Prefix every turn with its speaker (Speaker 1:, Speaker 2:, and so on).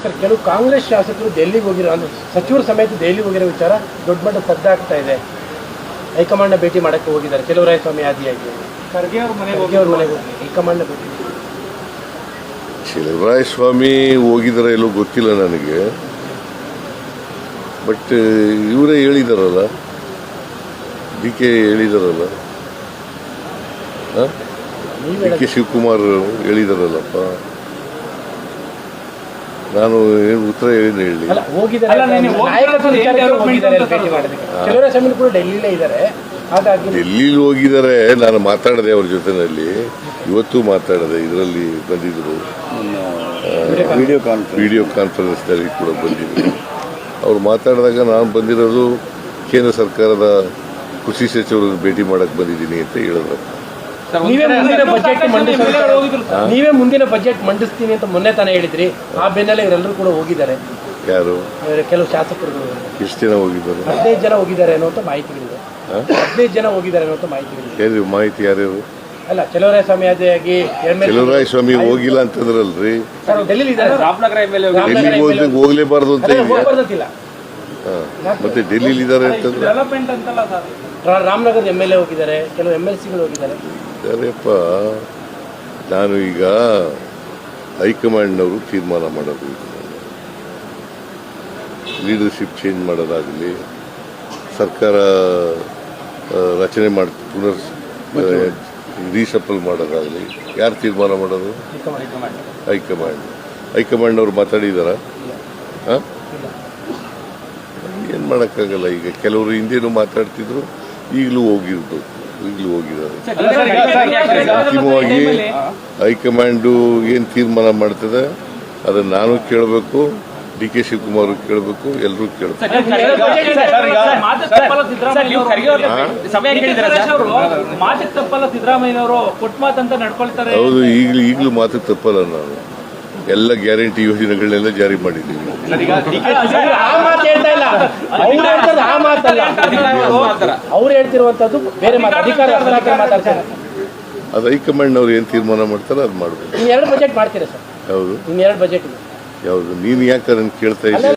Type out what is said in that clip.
Speaker 1: Sir, ಕೆಲವು ಕಾಂಗ್ರೆಸ್ ಶಾಸಕರು ದೆಹಲಿಗೆ ಹೋಗಿರೋ ಅಂದ್ರೆ ಸಚಿವರು ಸಮೇತ ದೆಹಲಿಗೆ ಹೋಗಿರೋ ವಿಚಾರ ದೊಡ್ಡ ಮಟ್ಟ ಸದ್ದಾಗ್ತಾ ಇದೆ. ಹೈಕಮಾಂಡ್ನ ಭೇಟಿ ಮಾಡೋಕ್ಕೆ ಹೋಗಿದ್ದಾರೆ ಚೆಲುವರಾಯಸ್ವಾಮಿ ಆದಿಯಾಗಿ. ಖರ್ಗೆ ಅವ್ರ ಮನೆಗೆ ಹೋಗಿ ಹೈಕಮಾಂಡ್ನ ಭೇಟಿ.
Speaker 2: ಚೆಲುವರಾಯಸ್ವಾಮಿ ಹೋಗಿದಾರ ಎಲ್ಲೋ ಗೊತ್ತಿಲ್ಲ ನನಗೆ, ಬಟ್ ಇವರೇ ಹೇಳಿದಾರಲ್ಲ, DK ಹೇಳಿದಾರಲ್ಲ, DK ಶಿವಕುಮಾರ್ ಹೇಳಿದಾರಲ್ಲಪ್ಪ. ನಾನು ಏನು ಉತ್ತರ ಹೇಳಿ ಡೆಲ್ಲಿಲಿ ಹೋಗಿದ್ದಾರೆ. ನಾನು ಮಾತಾಡಿದೆ ಅವ್ರ ಜೊತೆನಲ್ಲಿ, ಇವತ್ತು ಮಾತಾಡಿದೆ. ಇದರಲ್ಲಿ ಬಂದಿದ್ರು, ವಿಡಿಯೋ ಕಾನ್ಫರೆನ್ಸ್ನಲ್ಲಿ ಕೂಡ ಬಂದಿದ್ರು. ಅವ್ರು ಮಾತಾಡಿದಾಗ ನಾನು ಬಂದಿರೋದು ಕೇಂದ್ರ ಸರ್ಕಾರದ ಕೃಷಿ ಸಚಿವರನ್ನು ಭೇಟಿ ಮಾಡಕ್ಕೆ ಬಂದಿದ್ದೀನಿ ಅಂತ ಹೇಳಿದ್ರು.
Speaker 1: ನೀವೇ ಮುಂದಿನ ಬಜೆಟ್ ಮಂಡಿಸ್ತೀನಿ ಅಂತ ಮೊನ್ನೆ ತಾನೇ ಹೇಳಿದ್ರಿ. ಆ ಬೆನ್ನಲ್ಲೇ ಇವರೆಲ್ಲರೂ ಕೂಡ ಹೋಗಿದ್ದಾರೆ.
Speaker 2: ಯಾರು?
Speaker 1: ಕೆಲವು ಶಾಸಕರು.
Speaker 2: ಎಷ್ಟು ಜನ ಹೋಗಿದ್ದಾರೆ?
Speaker 1: 15 ಜನ ಹೋಗಿದ್ದಾರೆ ಅನ್ನುವಂಥ ಮಾಹಿತಿಗಳಿದೆ. 15 ಜನ ಹೋಗಿದ್ದಾರೆ ಅನ್ನುವಂಥ ಮಾಹಿತಿಗಳಿದೆ.
Speaker 2: ಮಾಹಿತಿ ಯಾರ್ಯಾರು?
Speaker 1: ಅಲ್ಲ, ಚೆಲುವರಾಯಸ್ವಾಮಿ ಆದಿಯಾಗಿ
Speaker 2: ಚೆಲುವರಾಯಸ್ವಾಮಿ ಹೋಗಿಲ್ಲ ಅಂತಂದ್ರಲ್ರಿ. ಹೋಗ್ಲೇಬಾರ್ದು ಅಂತ ಮತ್ತೆ ಡೆಲ್ಲಿಲಿ ಇದ್ದಾರೆ ಅಂತಂದ್ರೆ
Speaker 1: ರಾಮನಗರದ MLA ಹೋಗಿದ್ದಾರೆ, ಕೆಲವು MLCಗಳು ಹೋಗಿದ್ದಾರೆ.
Speaker 2: ಸರಿಯಪ್ಪ, ನಾನು ಈಗ ಹೈಕಮಾಂಡ್ನವರು ತೀರ್ಮಾನ ಮಾಡೋದು, ಲೀಡರ್ಶಿಪ್ ಚೇಂಜ್ ಮಾಡೋದಾಗಲಿ, ಸರ್ಕಾರ ರಚನೆ ಮಾಡಿ ಪುನರ್ ರೀಶಫಲ್ ಮಾಡೋದಾಗಲಿ ಯಾರು ತೀರ್ಮಾನ ಮಾಡೋದು? ಹೈಕಮಾಂಡ್ನವ್ರು ಮಾತಾಡಿದಾರ? ಏನು ಮಾಡೋಕ್ಕಾಗಲ್ಲ. ಈಗ ಕೆಲವರು ಹಿಂದೇನು ಮಾತಾಡ್ತಿದ್ರು, ಈಗಲೂ ಹೋಗಿದ್ದಾರೆ. ಅಂತಿಮವಾಗಿ ಹೈಕಮಾಂಡು ಏನು ತೀರ್ಮಾನ ಮಾಡ್ತದೆ ಅದನ್ನು ನಾನು ಕೇಳಬೇಕು, DK ಶಿವಕುಮಾರ್ ಕೇಳಬೇಕು, ಎಲ್ಲರೂ ಕೇಳಬೇಕು. ಹೌದು, ಈಗಲೂ ಮಾತು ತಪ್ಪಲ್ಲ. ನಾನು ಎಲ್ಲ ಗ್ಯಾರಂಟಿ ಯೋಜನೆಗಳನ್ನೆಲ್ಲ ಜಾರಿ ಮಾಡಿದ್ದೀವಿ.
Speaker 1: ಅವ್ರು ಹೇಳ್ತಿರುವಂತದ್ದು ಬೇರೆ
Speaker 2: ಅದು ಹೈಕಮಾಂಡ್ನವ್ರು ಏನು ತೀರ್ಮಾನ ಮಾಡ್ತಾರೆ ಅದು ಮಾಡಬೇಕು.
Speaker 1: 2 ಬಜೆಟ್ ಮಾಡ್ತೀರಾ ಸರ್?
Speaker 2: ಹೌದು,
Speaker 1: 2 ಬಜೆಟ್.
Speaker 2: ಯಾವುದು? ನೀನು ಯಾಕೆ ಅದನ್ನು ಕೇಳ್ತಾ ಇದ್ದೀಯ?